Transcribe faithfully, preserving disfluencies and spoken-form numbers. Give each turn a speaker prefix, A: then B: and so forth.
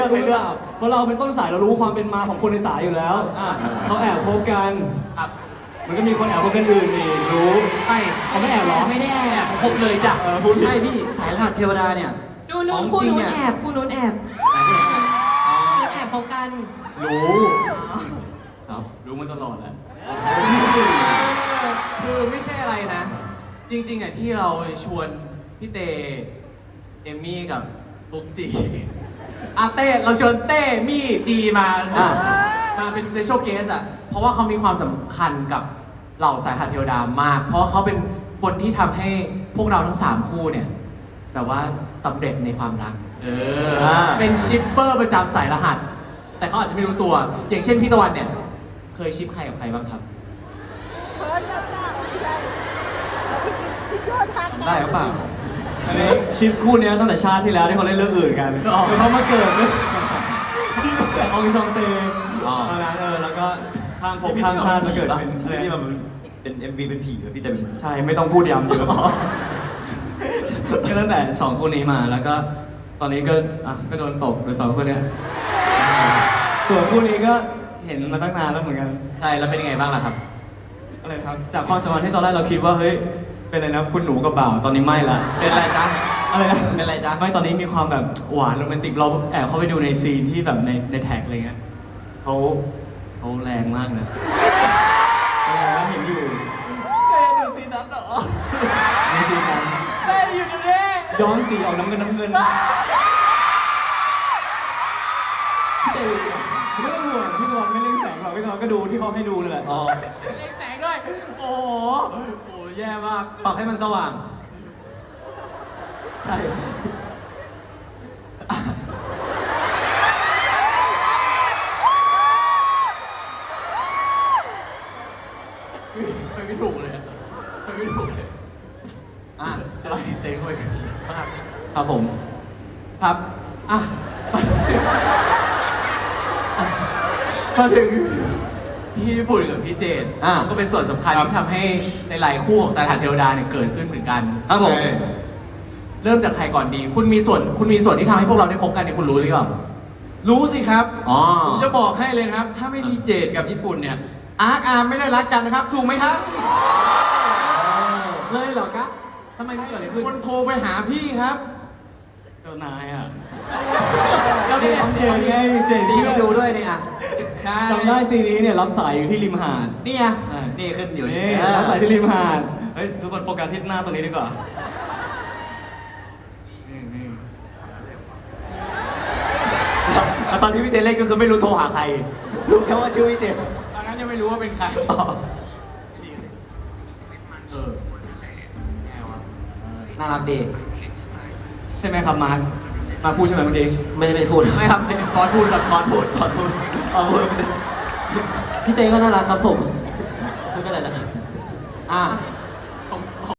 A: รู้หรือเปล่าเพราะเราเป็นต้นสายเรารู้ความเป็นมาของคนในสายอยู่แล้วเขาแอบคบกันมันก็มีคนแอบคบกันอื่นอีกรู้ไม่เขาไม่แอบหรอไม่ได้แอบคบเลยจ้ะเออพูดใช่พี่สายรหัสเทวดาเนี่ย
B: ดูนู้นคู่นู้นแอบคู่นู้นแอบนู้นแอบคบกัน
A: รู้ครับรู้มันตลอดแหละ
C: คือไม่ใช่อะไรนะ จริงๆอ่ะที่เราชวนพี่เตเอมมี่กับบุ๊กจีอาเต้เราชวนเต้มี่จีมามาเป็นสเปเชียลเกสอ่ะเพราะว่าเขามีความสำคัญกับเหล่าสายหัดเทวดามาก เพราะเขาเป็นคนที่ทำให้พวกเราทั้งสามคู่เนี่ยแบบว่าสำเร็จในความรักเออเป็นชิปเปอร์ประจำสายรหัสแต่เขาอาจจะไม่รู้ตัวอย่างเช่นพี่ตะวันเนี่ยเคยชิปใครกับใครบ้างครับ
A: ได้หรือเปล่าอันนี้ชิปคู่นี้ตั้งแต่ชาติที่แล้วที่เขาเล่นเรื่องอื่นกันคือเขามาเกิดชิปแต่องชองเตตอนนั้นเออแล้วก็ข้ามภพข้ามชาติมาเกิดเป็นอะไรที่มันเป็น เอ็ม วี เป็นผีพี่จะใช่ไม่ต้องพูดย้ำเยอะก็ตั้งแต่สองคู่นี้มาแล้วก็ตอนนี้ก็อ่ะก็โดนตกโดยสองคู่นี้ส่วนคู่นี้ก็เห็นมาตั้งนานแล้วเหมือนกัน
C: ใช่แล้วเป็นยังไงบ้างล่ะครับ
A: อะไรครับจากความสัมพันธ์ที่ตอนแรกเราคิดว่าเฮ้ยเป็นอะไรนะคุณหนูกับบ่าวตอนนี้ไม่ละ
C: เป็นอะไรจ๊ะ
A: อะไรนะ
C: เป็นอะไรจ๊ะ
A: ไม่ตอนนี้มีความแบบหวานโรแมนติกเราแอบเข้าไปดูในซีนที่แบบในในแท็กอะไรเงี้ยเขาเขาแรงมากนะแล้วเห็นอยู่
C: เคยดูซีนนั้นเหรอ
A: ในซีนนั้น
C: เคยอยู่ดูดิ
A: ย้อนสีออกน้ำเงินน้ำเงินเรื่องห่วงพี่ตะวันไม่เล่นแสงหรอกพี่ตะวันก็ดูที่เขาให้ดูเลยแหละ
C: อ๋อเล่นแสงด้วยโอ้โหโอ้แย่มาก
A: ปรับให้มันสว่าง
C: ใช่ไปไม่ถูกเลยไปไม่ถูกเลยอ่ะจะไล่เต็งเข้าไปมาก
A: ครับผม
C: ครับอ่ะมาถึงพี่ญี่ปุ่นกับพี่เจนก็เป็นส่วนสำคัญที่ทำให้ในหลายคู่ของสายหัดเทวดาเนี่ยเกิดขึ้นเหมือนกัน
A: ครับผม
C: เริ่มจากใครก่อนดีคุณมีส่วนคุณมีส่วนที่ทำให้พวกเราได้คบกันเนี่ยคุณรู้หรือเปล่า
A: รู้สิครับ
C: อ๋อ
A: ผมจะบอกให้เลยนะครับถ้าไม่มีเจดกับญี่ปุ่นเนี่ยอาร์คอาร์ไม่ได้รักกันนะครับถูกไหมครับเลยเหรอครับ
C: ทำไมไม่เกิดอะไรขึ้น
A: คนโทรไปหาพี่ครับเจ้านายอ่ะ
C: เราได้ทำเจดไง
A: เจด
C: ที่ดูด้วยเนี่ยอ่ะ
A: จำได้ซีนี้เนี่ยรับสายอยู่ที่ริมหาด
C: นี่อ่ะนี่ขึ้นอยู่
A: นี่รับสายที่ริมหาดเฮ้ยทุกคนโฟกัสที่หน้าตรงนี้ดีกว่า
C: ตอนที่พี่เจเล่นก็คือไม่รู้โทรหาใครรู้แค่ว่าชื่อพี่เจ
A: ตอนนั้นยังไม่รู้ว่าเป็นใคร
C: น่ารักดี
A: ใช่ไหมครับมาร์คมาพูดใช่ไหมเมื่อกี้
C: ไม่ได้ไปพูด
A: ไม่ครับฟอนพูดครับฟอนพูดฟอนพูดฟอนพูด
C: พี่เต้ก็น่ารักครับผมพูดอะไรนะครับ
A: อ่ะ